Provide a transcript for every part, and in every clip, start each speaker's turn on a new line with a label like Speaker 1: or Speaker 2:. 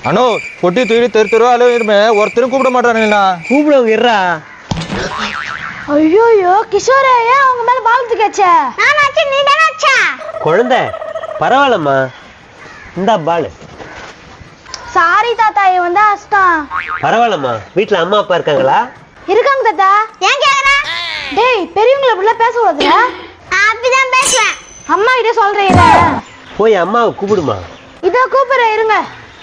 Speaker 1: அண்ணோ பொட்டி தூக்கி தெரு அலுவலமே ஒருத்தரும் கூப்பிட மாட்டானுங்கண்ணா.
Speaker 2: கூப்பிடுவங்க இருறா.
Speaker 3: ஐயோ கிஷோரே, ஏன் அவங்க மேல பாலத்து கேச்ச? நானாச்சு, நீ தானச்சா?
Speaker 2: குழந்தை பரவாயில்லம்மா, இந்தா பாலு.
Speaker 3: சாரி தாத்தா, இவன் வந்து அஸ்தான்.
Speaker 2: பரவாயில்லம்மா, வீட்டுல அம்மா அப்பா இருக்காங்களா?
Speaker 3: இருக்காங்க தாத்தா. ஏன் கேக்குற? டேய், பெரியவங்கள இப்படிலாம் பேசக்கூடாதுல. நான் அப்படிதான் பேசுவேன். அம்மா கிட்ட சொல்றீங்களா?
Speaker 2: போய் அம்மாவை கூப்பிடுமா.
Speaker 3: இதோ கூப்பிடுறேன், இருங்க.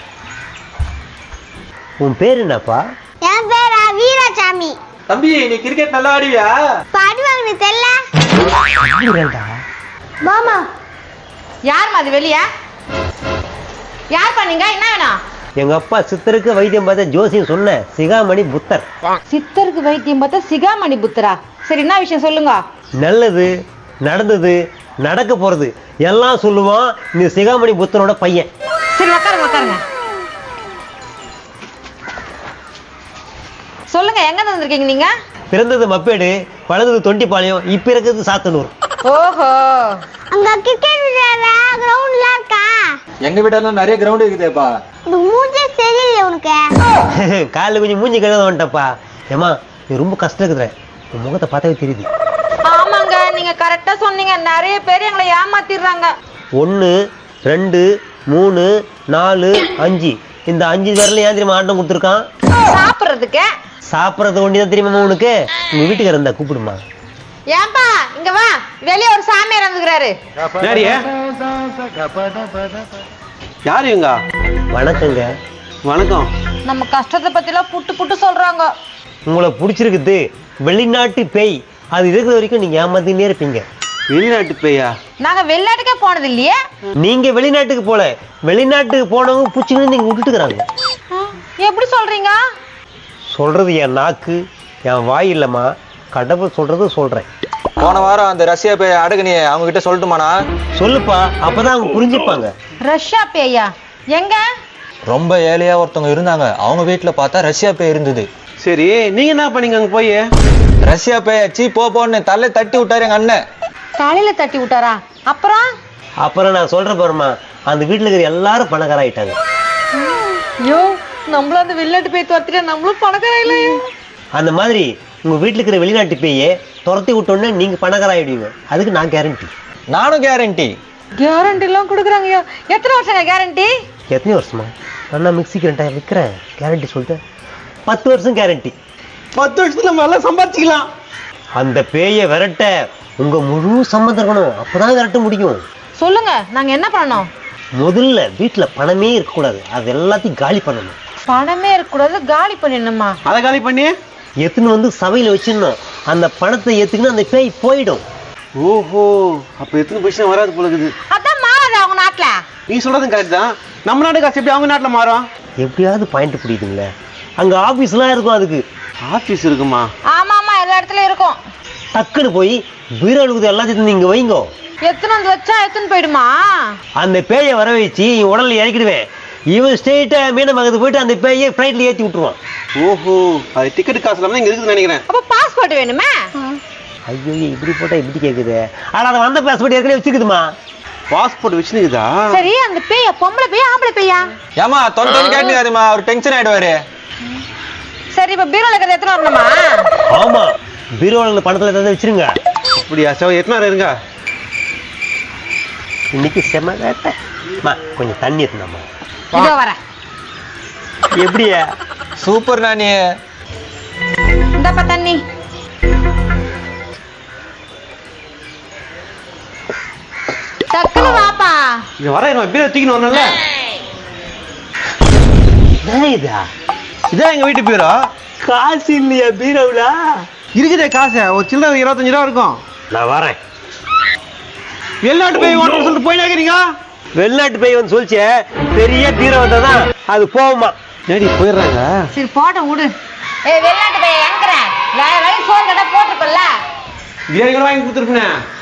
Speaker 2: உன் பேர் என்னப்பா?
Speaker 3: என் பேரா வீராசாமி.
Speaker 1: தம்பி, நீ கிரிக்கெட் நல்லா ஆடுவியா?
Speaker 3: பாடுவாங்க, நீ தெரியல. மாமா
Speaker 4: யார் அது வெளிய? யார் பண்ணீங்க? என்ன வேணும்?
Speaker 2: எங்க அப்பா சித்தருக்கு வைத்தியம் பார்த்த ஜோசியம் சொன்ன சிகாமணி புத்தர்.
Speaker 4: சித்தருக்கு வைத்தியம் பார்த்தா சிகாமணி புத்தரா? சரி, என்ன விஷயம் சொல்லுங்க.
Speaker 2: நல்லது நடந்தது நடக்க போறது எல்லாம் சொல்லுவான் நீ சிகாமணி புத்தனோட பையன்.
Speaker 4: சரி, உட்காருங்க. சொல்லுங்க, எங்க வந்திருக்கீங்க நீங்க?
Speaker 2: பிறந்தது மப்பேடு, வளர்ந்தது தொண்டிப்பாளையம், இப்ப இருக்கிறது சாத்தனூர்.
Speaker 4: ஓஹோ,
Speaker 3: அங்க கிரிக்கெட் விளையாடுற கிரவுண்ட்ல இருக்கா?
Speaker 1: எங்க வீட்டெல்லாம் நிறைய கிரவுண்ட் இருக்குதேப்பா.
Speaker 3: இந்த மூஞ்சே சரியில்லை உனக்கு.
Speaker 2: காலைல கொஞ்சம் மூஞ்சி கழுத வந்துட்டப்பா. ஏமா, நீ ரொம்ப கஷ்டம் இருக்குற, உன் முகத்தை பார்த்தாவே தெரியுது.
Speaker 4: ஆமாங்க, நீங்க கரெக்டா சொன்னீங்க. நிறைய பேர் எங்களை ஏமாத்திடுறாங்க.
Speaker 2: 1 2 3 4 5 இந்த 5 பேர்ல ஏன் தெரியுமா ஆட்டம் கொடுத்துருக்கான்?
Speaker 4: சாப்பிடுறதுக்கு.
Speaker 2: சாப்பிட்றது ஒண்டி தான் தெரியுமா உனக்கு? உங்க வீட்டுக்கு இருந்தா கூப்பிடுமா.
Speaker 4: ஏன்பா இங்க வா, வெளியே ஒரு சாமியார் வந்துக்கிறாரு.
Speaker 5: யாரு இவங்க?
Speaker 2: வணக்கங்க.
Speaker 5: வணக்கம்.
Speaker 4: நம்ம கஷ்டத்தை பத்திலாம் புட்டு சொல்றாங்க.
Speaker 2: உங்களை பிடிச்சிருக்குது வெளிநாட்டு பேய், அது இருக்கிற வரைக்கும் நீங்க ஏமாத்தினே இருப்பீங்க.
Speaker 5: வெளிநாட்டு பேயா?
Speaker 4: நாங்க வெளிநாட்டுக்கே போனது இல்லையே.
Speaker 2: நீங்க வெளிநாட்டுக்கு போல, வெளிநாட்டுக்கு போனவங்க பூச்சின்னு நீங்க விட்டுட்டுக்கிறாங்க.
Speaker 4: எப்படி சொல்றீங்க?
Speaker 2: சொல்றது என் நாக்கு, என் வாய் இல்லம்மா, கடவுள் சொல்றது சொல்றேன்.
Speaker 1: போன வாரம் அந்த ரஷ்யா பேய் அடகுனியே அவங்க கிட்ட சொல்லட்டுமாண்ணா?
Speaker 2: சொல்லுப்பா, அப்பதான் அவங்க புரிஞ்சுப்பாங்க.
Speaker 4: ரஷ்யா பேயா? எங்க?
Speaker 1: ரொம்ப ஏழையா ஒருத்தவங்க இருந்தாங்க, அவங்க வீட்டுல பார்த்தா ரஷ்யா பேய் இருந்தது.
Speaker 5: சரி, நீங்க என்ன பண்ணீங்க அங்க போய்?
Speaker 1: ரஷ்யா பேய் அச்சி போன்னு தலை தட்டி விட்டாரு எங்க அண்ணன்.
Speaker 4: தலையில தட்டி விட்டாரா?
Speaker 2: அப்புறம் நான் சொல்ற பாருமா, அந்த வீட்டுல இருக்கிற எல்லாரும் பணக்காராயிட்டாங்க.
Speaker 4: ஐயோ, நம்மளும் அந்த வெளிநாட்டு பேய் துரத்திட்டா நம்மளும் பணக்காராயில்லையோ.
Speaker 2: அந்த மாதிரி உங்க வீட்டுல இருக்கிற வெளிநாட்டு பேயே துரத்தி விட்டோன்னே நீங்க பணக்காராயிடுவீங்க. அதுக்கு நான் கேரண்டி.
Speaker 1: நானும் கேரண்டி.
Speaker 4: கேரண்டி எல்லாம் கொடுக்குறாங்க. எத்தனை வருஷங்க கேரண்டி?
Speaker 2: எத்தனை வருஷமா? நான் மிக்சிக்கு 2000 விற்கிறேன், கேரண்டி சொல்லிட்டு 10 வருஷம் கேரண்டி.
Speaker 5: 10 வருஷத்துல நம்ம எல்லாம் சம்பாதிச்சுக்கலாம்.
Speaker 2: அந்த பேயை விரட்ட உங்க முழு சம்மந்தம் இருக்கணும், அப்பதான் விரட்ட முடியும்.
Speaker 4: சொல்லுங்க, நாங்க என்ன பண்ணணும்?
Speaker 2: முதல்ல வீட்டுல பணமே இருக்கக்கூடாது, அது எல்லாத்தையும் காலி பண்ணணும்.
Speaker 4: பணமே இருக்கக்கூடாது, காலி பண்ணிடணுமா?
Speaker 5: அதை காலி பண்ணி
Speaker 2: எத்துன்னு வந்து சபையில வச்சிடணும். அந்த பணத்தை ஏத்துக்குன்னு அந்த பேய் போயிடும்.
Speaker 5: ஓஹோ, அப்ப எத்தனை பைசா வராது போல இருக்குது.
Speaker 4: அதான் மாறாது அவங்க நாட்டுல.
Speaker 5: நீ சொல்றதும் கரெக்ட் தான். நம்ம நாட்டு காசு எப்படி அவங்க நாட்டுல மாறும்?
Speaker 2: எப்படியாவது பாயிண்ட் புரியுதுங்களே. அங்க ஆபீஸ்லாம் இருக்கும், அதுக்கு
Speaker 5: ஆபீஸ் இருக்குமா?
Speaker 4: ஆமா, எல்லா இடத்துலயும் இருக்கும்.
Speaker 2: டக்குன்னு போய் பீரோலுக்கு எல்லாத்தையும் நீங்க வைங்கோ.
Speaker 4: எத்தனை வந்து வச்சா எத்தனை போயிடுமா?
Speaker 2: அந்த பேயை வர வச்சு உடல்ல இறக்கிடுவேன். இவன் ஸ்ட்ரெயிட்டா மீனமங்கத்துக்கு போயிட்டு அந்த பேயை ஃப்ளைட்ல ஏற்றி விட்டுருவான்.
Speaker 5: ஓஹோ, அது டிக்கெட் காசு இல்லாம இங்க இருக்குதுன்னு நினைக்கிறேன்.
Speaker 4: அப்ப பாஸ்போர்ட் வேணுமே?
Speaker 2: ஐயோ, இப்படி போட்டா இப்படி கேக்குது. ஆனா அதை வந்த பாஸ்போர்ட் ஏற்கனவே வச்சுக்குதுமா.
Speaker 5: பாஸ்போர்ட் வச்சுனுக்குதா?
Speaker 4: சரி, அந்த பேய பொம்பளை பேயா ஆம்பளை பேயா?
Speaker 1: ஏமா தொண்டை கேட்டுக்காதுமா, அவர் டென்ஷன் ஆயிடுவாரு.
Speaker 4: சரி, இப்ப பீரோல இருக்கிறது எத்தனை வரணுமா?
Speaker 2: ஆமா, பீரோல பணத்துல ஏதாவது வச்சிருங்க.
Speaker 5: அப்படியா? சரி, எத்தனை நேரம் இருங்க.
Speaker 2: இன்னைக்கு செம வேட்டை. கொஞ்சம் தண்ணி எடுத்துனாமா.
Speaker 4: இதோ வரேன்.
Speaker 2: எப்படியா?
Speaker 1: சூப்பர் நானி.
Speaker 4: இந்தப்பா தண்ணி. டக்குனு வாப்பா.
Speaker 5: இங்க வர பீரோ தூக்கின்னு வரணும்ல.
Speaker 2: இதா
Speaker 5: இதான் எங்க வீட்டு பீரோ.
Speaker 2: காசு இல்லையா பீரோவுல?
Speaker 5: இருக்குதே காசு, ஒரு சில்லறை 25 ரூபா இருக்கும்.
Speaker 2: நான் வரேன்.
Speaker 5: வெளிநாட்டு போய் ஓட்டர் சொல்லிட்டு போய் நினைக்கிறீங்க?
Speaker 2: வெளிநாட்டு போய் வந்து சொல்லிச்சே, பெரிய பீரோ வந்தாதான் அது போகுமா.
Speaker 5: நேடி போயிடுறாங்க.
Speaker 4: சரி, போட்டோம் விடு. வெளிநாட்டு பையன் எங்கற வேற வழி சோறு கடை போட்டுருக்கல.
Speaker 5: பிரியாணி கூட வாங்கி கொடுத்துருப்பேன்.